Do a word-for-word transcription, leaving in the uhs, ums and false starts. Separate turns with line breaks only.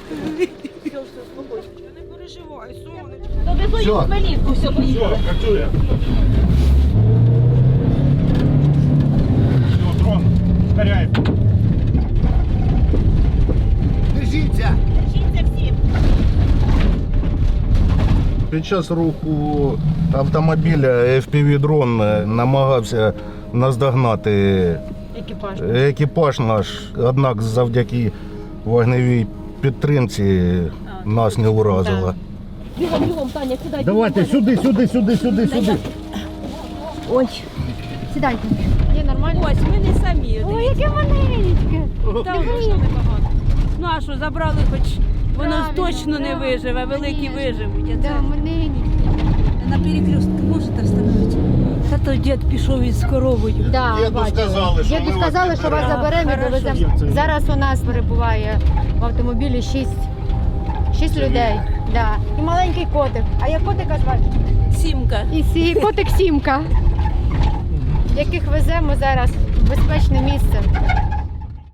Не переживай, сонечко.
Довезу їх в Хмельницьку, все поїхали.
Все, працює. Все, дрон, ускоряй.
Держіться!
Держіться всі.
Під час руху автомобіля еф пі ві-дрон намагався наздогнати
Екіпаж.
екіпаж наш, однак завдяки вогневій підтримці нас не уразило.
Бігом, бігом, Таня, сідай.
Давайте сюди, сюди, сюди, сюди, сюди.
Ой, сідайте. Ні, нормально.
Ось, ми не самі.
Ой, яке маленьке.
Там вийшло небагато. Ну а що, забрали хоч, воно
Правильно,
точно не
да,
виживе, великі
конечно.
виживуть. А
Да,
це
маленьке.
на перекрестку можете встановити? Та то дід пішов із коровою.
Да,
Діду
бачила.
сказали, що
Діду
ми вас
сказали, що вас
підберемо.
заберемо і
Хорошо.
довеземо. Зараз у нас перебуває в автомобілі шість, шість людей. Да. І маленький котик. А як котика звати?
Сімка.
І сі... котик Сімка, яких веземо зараз в безпечне місце.